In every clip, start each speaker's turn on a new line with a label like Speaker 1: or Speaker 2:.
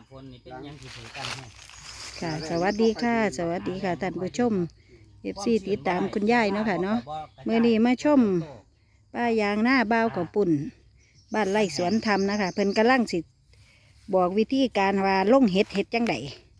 Speaker 1: ฝนนี่เป็นยังที่ถือกันให้
Speaker 2: ค่ะสวัสดีค่ะสวัสดีค่ะท่านผู้ชม FC ติดตามคุณยายเนาะค่ะเนาะเมื่อนี้มาชมป้ายางหน้าบ้าวกับปุ่นบ้านไร่สวนธรรมนะคะเพิ่นกำลังสิบอกวิธีการว่าลงเห็ดจังได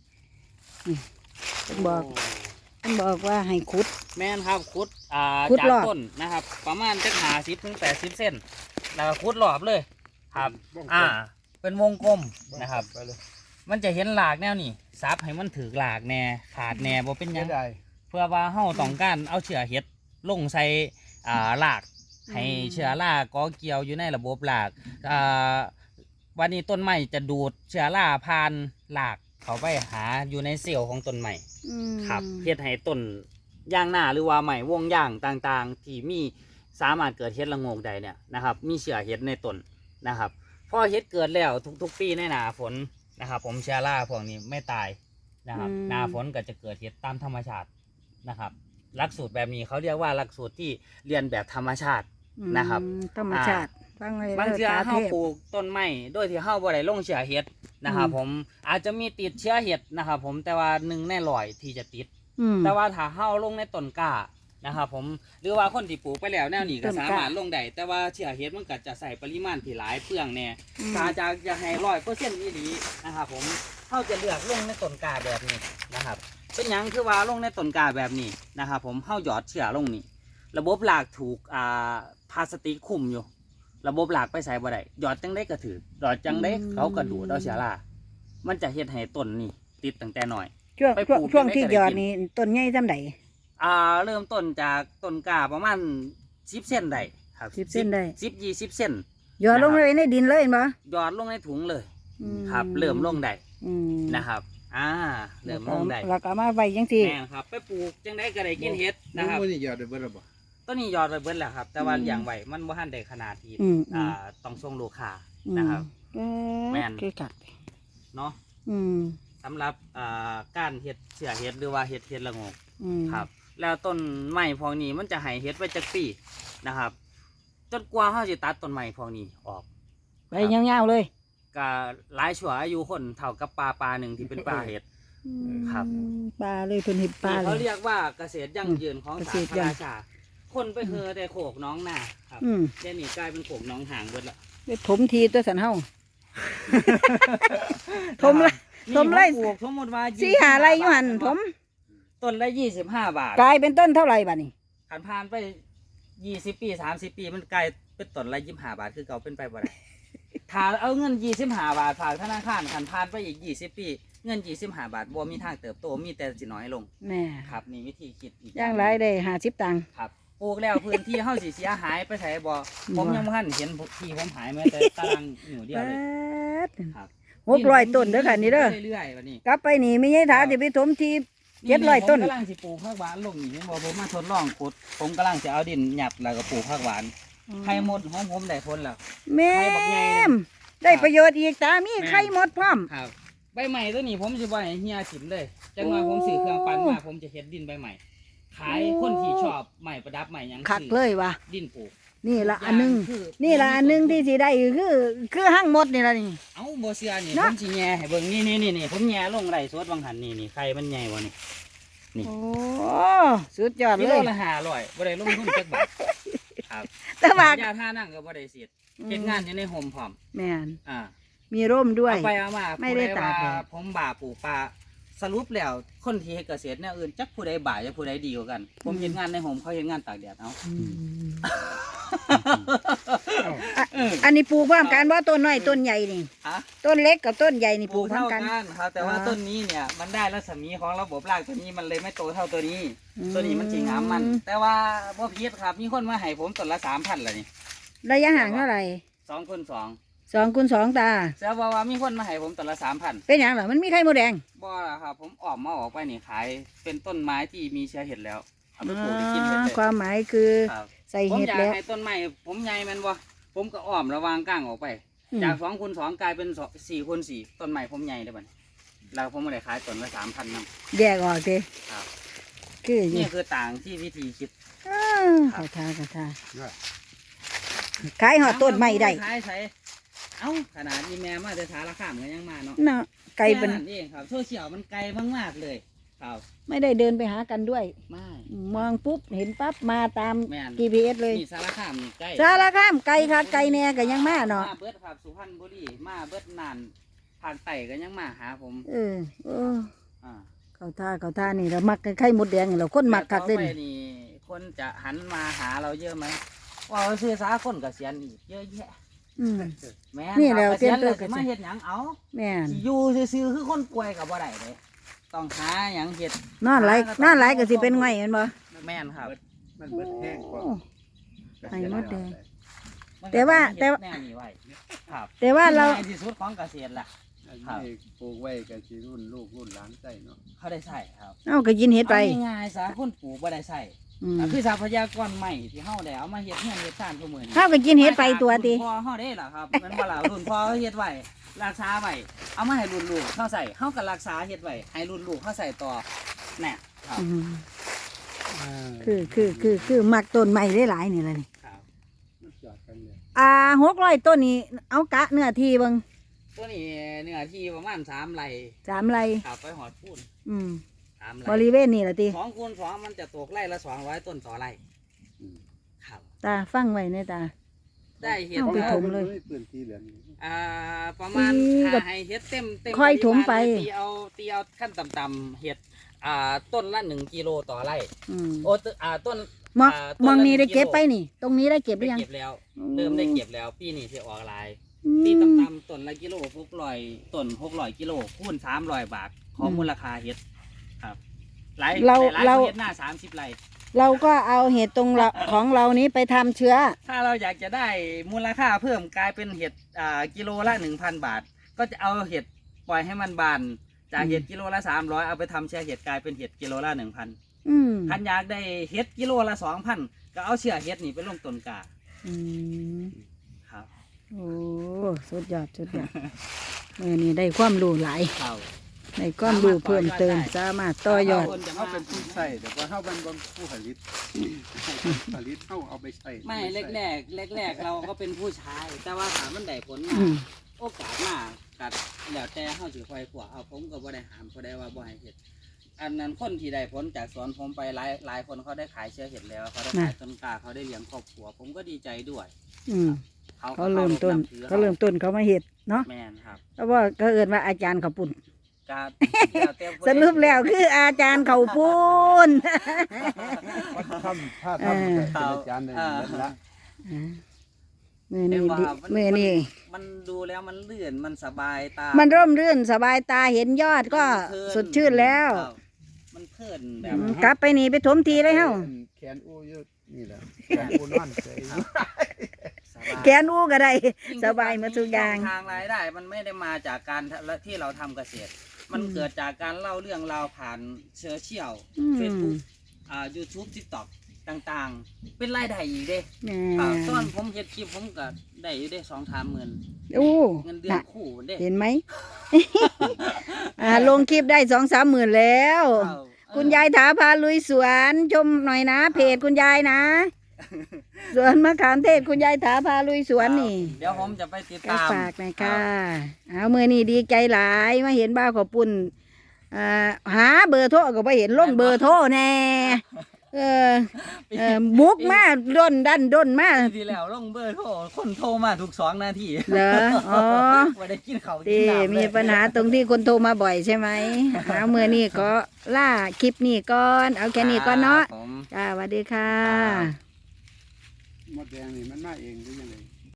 Speaker 2: เพิ่นบอกว่าให้ขุด
Speaker 1: แม่นครับขุด
Speaker 2: ขุด
Speaker 1: จาก
Speaker 2: รอบ
Speaker 1: ต้นนะครับ ประมาณจะ50 ถึง 80 เส้นแล้วก็ขุดรอบเลยครับเป็นวงกลมนะครับมันจะเห็นหลากแนวนี่ซับให้มันถือหลากแน่ขาดแน่บ่เป็นหยังเพื่อว่าเฮาต้องการเอาเชื้อเห็ดลงใส่หลากให้เชื้อราก่อเกี่ยวอยู่ในระบบหลากวันนี้ต้นไม้จะดูดเชื้อราผ่านหลากเข้าไปหาอยู่ในเซลล์ของต้นไม้ครับเฮ็ดให้ต้นย่างหน้าหรือว่าไม้วงย่างต่างๆที่มีสามารถเกิดเห็ดละโงกได้เนี่ยนะครับมีเชื้อเห็ดในต้นนะครับพอเห็ดเกิดแล้วทุกๆปีในหน้าฝนนะครับผมเชื้อราพวกนี้ไม่ตายนะครับหน้าฝนก็จะเกิดเห็ดตามธรรมชาตินะครับหลักสูตรแบบนี้เขาเรียกว่าหลักสูตรที่เรียนแบบธรรมชาตินะครับ
Speaker 2: ธรรมชาติ
Speaker 1: บางเชื้อเฮาปลูกต้นไม้โดยที่เฮาบ่ได้ลงเชื้อเห็ดนะครับผมอาจจะมีติดเชื้อเห็ดนะครับผมแต่ว่า1 ใน 100ที่จะติดแต่ว่าถ้าเฮาลงในต้นกล้านะครับผมหรือว่าคนที่ปลูกไปแล้วแนวนี้ก็สามารถลงได้แต่ว่าเชื้อเห็ดมันก็จะใส่ปริมาณที่หลายเปลืองแน่ถ้าจะให้100%อีหลีนะครับผมเฮาจะเลือกลงในต้นกล้าแบบนี้นะครับเป็นหยังคือว่าลงในต้นกล้าแบบนี้นะครับผมเฮาหยอดเชื้อลงนี่ระบบรากถูกพลาสติกคุมอยู่ระบบรากไปใส่บ่ได้หยอดจังได้ก็ถือหยอดจังได้เขาก็ดูดเอาเชื้อรามันจะเฮ็ดให้ต้นนี่ติดตั้งแต่น้อย
Speaker 2: ช่วงที่หยอดนี่ต้นใหญ่ซำใด
Speaker 1: เริ่มต้นจากต้นกล้าประมาณ10 เส้นได้ครับ
Speaker 2: 10 เส้นได้
Speaker 1: 10-20 เส้น
Speaker 2: หยอดลงเลยในดินเลยเห็นบ่
Speaker 1: หยอดลงในถุงเลยครับเริ่มลงได้นะครับเริ่มลงได้
Speaker 2: แล้วก็มาไว้จังซี่
Speaker 1: แม่ครับไปปลูกจังได้ก็ได้กินเห็ดนะครับ
Speaker 3: ต้นนี้หยอดได้เบิดแล้วบ่
Speaker 1: ต้นนี้หยอดไปเบิดแล้วครับแต่ว่าอย่างไว้มันบ่ทันได้ขนาดที่ต้องส่งลูกค้านะครับแม่นเนาะสำหรับการเห็ดเสือเห็ดหรือว่าเห็ดละโงกครับแล้วต้นไม้พวกนี้มันจะให้เห็ดไว้จักปีนะครับจนกว่าเขาจะตัดต้นไม้พวกนี้ออก
Speaker 2: ไปยาวๆเลย
Speaker 1: ก็หลายชั่วอายุคนเท่ากับปลาหนึ่งที่เป็นปลาเห็ดครับ
Speaker 2: ปลาเลยเป็นเห็ดปลา
Speaker 1: เขาเรียกว่าเกษตรยั่งยืนของสาธารณชาติคนไปเฮอแต่โขกน้องหน้าครับเดี๋ยวนี้กลายเป็นโขกน้องห่างเบิดละ
Speaker 2: ถมทีตัวสันเฮาถมไร
Speaker 1: สมมติว่า
Speaker 2: 4-5 ไร่อยู่หันถม
Speaker 1: ต้นละ25 บาท
Speaker 2: กลายเป็นต้นเท่าไหร่บัดนี้
Speaker 1: ผ่านไป20 ปี30 ปีมันกลายเป็นต้นละ25 บาทคือเก่าเป็นไปบ่ได้ถ้าเอาเงิน25 บาทฝากธนาคารผ่านไปอีก20 ปีเงิน25 บาทบ่มีทางเติบโตมีแต่สิน้อยลง
Speaker 2: แน่
Speaker 1: ครับนี่วิธีคิดอีก
Speaker 2: อย่างไรได้50 ตังค์
Speaker 1: ครับปลูกแล้วพื้นที่เฮาสิเสียหายไปไสบ่ผมยังบ่ทันเห็นที่ผมหายแม้แต่ตารางนิ้วเดียวเลย
Speaker 2: ครับ600 ต้นเด้อค่ะนี่เด้อ
Speaker 1: เรื่อยๆวันนี้
Speaker 2: กลับไปนี่ไม่ใช่ถาสิไปถมที700 ต้น
Speaker 1: ผมกำลังสิปลูกผักหวานลงนี่เห็นบ่ผมมาทดลองขุดผมกำลังจะเอาดินหยัดแล้วก็ปลูกผักหวานไข่มดของผมได้ผลแล้ว
Speaker 2: แม่ได้ประโยชน์อีกตามีไข่มดพร้อม
Speaker 1: ครับใบใหม่ตัวนี้ผมสิบ่ให้เฮียถิ่มเลยจังว่าผมซื้อเครื่องปั่นมาผมจะเฮ็ดดินใบใหม่ขายคนที่ชอบใหม่ประดับใหม่ยัง
Speaker 2: คักเลยว่ะ
Speaker 1: ดินปลูก
Speaker 2: นี่ละอันนึงที่สิได้คือหั่งมดนี่ละนี่
Speaker 1: เอ้าบ่เชื่อนี่ผมสิแย่ให้เบิ่งนี่ผมแย่ลงไร่สดบางหันนี่ไข่มันใหญ่บ่นี่
Speaker 2: โอ้สุดยอดเลย
Speaker 1: กิโลละ500บ่ได้ลงทุนจักบาทครับ
Speaker 2: แต่ว่าย
Speaker 1: าทานั่งก็บ่ได้เสียเฮ็ดงานอยู่ในโฮมพร้อม
Speaker 2: แม่นมีร่มด้วย
Speaker 1: เอาไปเอามาไม่ได้ตากผมบ่าปลูกปลาสรุปแล้วคนที่เฮ็ดเกษตรเนี่ยอื่นจักผู้ใดบ่าจักผู้ใดดีกว่ากันผมเฮ็ดงานในโฮมเขาเฮ็ดงานตากแดดเอา
Speaker 2: อันนี้ปลูกพร้อมกันว่าต้นน้อยต้นใหญ่นี่ต้นเล็กกับต้นใหญ่นี่ปลูกพร้อมกัน
Speaker 1: ครับแต่ว่าต้นนี้เนี่ยมันได้รัศมีของระบบรากตัวนี้มันเลยไม่โตเท่าตัวนี้มันสิงามมันแต่ว่าบ่ผิดครับมีคนมาให้ผมต้นละ 3,000ล่ะนี่
Speaker 2: ระยะห่างเท่าไหร่
Speaker 1: 2 คูณ 2
Speaker 2: 2 คูณ 2ตา
Speaker 1: แต่ว่ามีคนมาให้ผมต้นละ 3,000
Speaker 2: เป็นหยังเหรอมันมีไข่มดแดง
Speaker 1: บ่ล่ะครับผมออกไปนี่ขายเป็นต้นไม้ที่มีเชื้อเห็ดแล้วเอาไปปลูกได้กินเห็ดเลย
Speaker 2: ความหมายคือใส่เห็ดแล้ว
Speaker 1: ผมอยากให้ต้นไม้ผมใหญ่แม่นบ่ผมก็อ้อมระวางก้างออกไปจาก2 คูณ 2กลายเป็น4 คูณ 4ต้นไม้ผมใหญ่ได้บัดแล้วผมก็ได้ขายต้นละ 3,000 นำ
Speaker 2: แยกออกสิ
Speaker 1: ครับนี่คือต่างที่วิธีคิด
Speaker 2: กระทขายหอดต้นไม้ได้
Speaker 1: ขายใส่เอ้าขนาดนี้แม่มาแต่สารคามก็ยังมาเนาะ
Speaker 2: ไกลเป็น
Speaker 1: แค่นั้นเองครับโซเชียลมันไกลมากๆเลยครับ
Speaker 2: ไม่ได้เดินไปหากันด้วย
Speaker 1: ไม่
Speaker 2: มองปุ๊บเห็นปั๊บมาตาม
Speaker 1: แม่น
Speaker 2: GPS เลย
Speaker 1: นี่สารคามนี่ใกล้
Speaker 2: สารคามไกลค่ะไกลแน่ก็ยังมาเนาะ
Speaker 1: มาเบิดครับสุพรรณบุรีมาเบิดนานภาคใต้ก็ยังมาหาผม
Speaker 2: เออ
Speaker 1: อ่า
Speaker 2: เขาท่านี่เรามักไข่มดแดงเราคนมักคักเด่น
Speaker 1: ต่อไปนี่คนจะหันมาหาเราเยอะไหมว่าเราซื้อสาคนเกษียณอีกเยอะแยะ
Speaker 2: อืม
Speaker 1: แม่
Speaker 2: นี่แหละ
Speaker 1: เกษียณ
Speaker 2: เตรียมตัว
Speaker 1: แล้วสิมาเฮ็ดหยังเอา
Speaker 2: แม่น
Speaker 1: สิอยู่ซื่อๆคือคนป่วยกับบ่ได้เลยต้องหาหยังเฮ็ด
Speaker 2: นอนไหลก็สิเป็นไงเห็นบ่
Speaker 1: แม่นครับ
Speaker 3: มันเบิดแห้งกว่า
Speaker 2: ไข่มดแดง
Speaker 1: มันก็
Speaker 2: แต่ว่า
Speaker 1: ต้องเฮ็ดแนวนี้ไว้ครับ
Speaker 2: แต่ว่าเรา
Speaker 1: ง่ายที่สุดของเกษตรล่ะ
Speaker 3: อันนี้ปลูกไว้กันสิรุ่นลูกรุ่นหลานใส่เนาะ
Speaker 1: เขาได้ใส่ครับ
Speaker 2: เอาก็กินเห็ดไป
Speaker 1: เอาง่ายๆซะคนปลูกบ่ได้ใส่
Speaker 2: อืม
Speaker 1: คือทรัพยากรใหม่ที่เฮาได้เอามาเฮ็ดเฮือนเฮ็ดซ่านทุกมื้อนี้
Speaker 2: ข้าวก็กินเห็ดไปตัวติ
Speaker 1: รุ่นพ่อเฮาได้ล่ะครับมันบ่ล่ะรุ่นพ่อเฮ็ดไว้รักษาไว้เอามาให้รุ่นลูกเฮาใส่เฮาก็รักษาเฮ็ดไว้ให้รุ่นลูกเฮาใส่ต่อแน่ครับ
Speaker 2: อืมคือมักต้นใหม่ได้หลายนี่แหละนี่
Speaker 1: ครับ
Speaker 3: มันจอดกันเลย
Speaker 2: 600ต้นนี้เอากะเนื้อที่เบิ่ง
Speaker 1: ตัวนี้เนื้อที่ประมาณ3ไร่
Speaker 2: 3 ไร่
Speaker 1: ครับไปหอดพูน
Speaker 2: อืม
Speaker 1: 3
Speaker 2: บ
Speaker 1: ไร่
Speaker 2: ริเวณนี่ล่ะติ
Speaker 1: 2คูณ2มันจะตกไร่ละ200ต้นต่อไร่ครับ
Speaker 2: ตาฟังไว้ในตา
Speaker 1: ได้เห็ด
Speaker 2: เอาไป
Speaker 1: แล้ว
Speaker 2: ถมเลย
Speaker 3: ปืนที่เหลืองนี่
Speaker 1: ประมาณ
Speaker 2: ก็
Speaker 1: ถ้าให้เฮ็ดเต็ม
Speaker 2: ค่อย
Speaker 1: ปริ
Speaker 2: ถมไป
Speaker 1: าณเลยตีเอาขั้นต่ำๆเห็ดต้นละ1กิโลต่อไร่
Speaker 2: อืม
Speaker 1: โอ้ต้น
Speaker 2: มอง
Speaker 1: ต้น
Speaker 2: มอง
Speaker 1: ละ
Speaker 2: นี่ได้
Speaker 1: 1
Speaker 2: เก็บ
Speaker 1: กิโล
Speaker 2: ไปนี่ ตรงนี้ได้เก็บหรือยัง
Speaker 1: ได้เก็บแล้ว เริ่มได้เก็บแล้วปีนี้สิออกหลาย
Speaker 2: อืม
Speaker 1: ตีต่ำๆต้นละกิโล600ต้น600กิโลคูณ300 บาทของมูลค่าเห็ดครับหลาย
Speaker 2: เรา
Speaker 1: หลาย
Speaker 2: เรา
Speaker 1: เห็ดหน้า30ไร่
Speaker 2: เราก็เอาเห็ดตรงเราของเรานี้ไปทำเชื้อ
Speaker 1: ถ้าเราอยากจะได้มูลค่าเพิ่มกลายเป็นเห็ดกิโลละ 1,000 บาท ก็จะเอาเห็ดปล่อยให้มันบานจากเห็ดกิโลละ300เอาไปทำเชื้อเห็ดกลายเป็นเห็ดกิโลละ 1,000
Speaker 2: อืม
Speaker 1: คันอยากได้เห็ดกิโลละ 2,000 ก็เอาเชื้อเห็ดนี่ไปลงต้นกา
Speaker 2: อืม
Speaker 1: ครับ
Speaker 2: โอ้สุดยอดนี่ได้ความรู้หลาย
Speaker 1: ครับ
Speaker 2: ได้ความรู้เพิ่มเติมสามารถต่อยอด
Speaker 1: คนจะ
Speaker 3: เขา
Speaker 1: มา
Speaker 3: เป็นผู้ใส่แต่ว่าเขาเป็นผู้ผลิตผลิตเขาเอาไปใส่
Speaker 1: ไม่แรกเราก็เป็นผู้ชาย แต่ว่าถามมันได้ผลมา
Speaker 2: อืม
Speaker 1: โอกาสมากัดแล้วแต่เฮาสิคอยขวเอาผมก็บ่ได้ห้ามเขาได้ว่าบ่ให้เฮ็ดอันนั้นคนที่ได้ผลจากสวนผมไปหลายคนเขาได้ขายเชื้อเห็ดแล้วเขาได้ขายต้นกล้าเขาได้เลี้ยงครอบครัว ผมก็ดีใจด้วย
Speaker 2: อืม
Speaker 1: เขา
Speaker 2: เขาเริ่มต้น
Speaker 1: เขา
Speaker 2: เขาเริ่มต้นเขามาเห็ดเนาะ
Speaker 1: แม่นครับ
Speaker 2: เพราะว่าเขาเอิ้นว่าอาจารย์เขาปุ่น
Speaker 1: การ
Speaker 2: สรุปแล้วคืออาจารย์เขาปูน
Speaker 3: วัดถ้ำท่าถ้ำเป็นอาจารย์ในนั้นละ
Speaker 2: มือนี้ดิมือนี้
Speaker 1: มันดูแล้วมันลื่นมันสบายตา
Speaker 2: มันร่มรื่นสบายตาเห็นยอดก็
Speaker 1: เพลิน
Speaker 2: สดชื่นแล้ว
Speaker 1: ครับมันเพลินแบบ
Speaker 2: กลับไปนี่ไปถมทีเลยเฮ้า
Speaker 3: แขนอู้ยนี่แหละแขนอู้นอนเฉย
Speaker 1: สบาย
Speaker 2: แกนอู้ก็ได้ สบายหมาทุกอย่าง
Speaker 1: ทางรายได้มันไม่ได้มาจากการที่เราทำเกษตร มันเกิดจากการเล่าเรื่องราวผ่านโซเชียล
Speaker 2: อืม
Speaker 1: เฟซบุ๊กYouTube TikTok ต่างๆ เป็นรายได้อีกเด้
Speaker 2: แห
Speaker 1: ครับ
Speaker 2: ม่
Speaker 1: ตอนผมเฮ็ดคลิปผมก็ได้อยู่ได้2-3หมื่น
Speaker 2: โอ้
Speaker 1: เงินเดือน
Speaker 2: น่ะ
Speaker 1: คู่เด้
Speaker 2: เห็นไหม ลงคลิปได้2-3 หมื่นแล้ว
Speaker 1: ครับ
Speaker 2: คุณยายถาพาลุยสวนชมหน่อยนะ เพจคุณยายนะ สวนมะขามเทศคุณยายถาพาลุยสวนนี่
Speaker 1: เดี๋ยวผมจะไปติด
Speaker 2: ก็
Speaker 1: ตาม
Speaker 2: ฝากหน่อยค่ะเอามือนี่ดีใจหลายมาเห็นบ้าวขอปุ่นหาเบอร์โทรก็ไปเห็นลงเบอร์โทรแน่บุกมาด้นมา
Speaker 1: ปีที่แล้วลงเบอร์โทรคนโทรมาทุก2 นาที
Speaker 2: เหรออ๋อ
Speaker 1: ว่าได้กินข้าวกิน
Speaker 2: ที่
Speaker 1: น้ำ
Speaker 2: มี
Speaker 1: เลย
Speaker 2: ปัญหาตรงที่คนโทรมาบ่อยใช่ไหมเอามือนี่ก็ล่าคลิปนี่ก่อนเอาแค่นี้ก่อนเนาะ
Speaker 1: ครับผม
Speaker 2: จ้าสวัสดีค่ะ
Speaker 1: ครับ
Speaker 3: มดแดงนี่มันมาเองหรือยังไง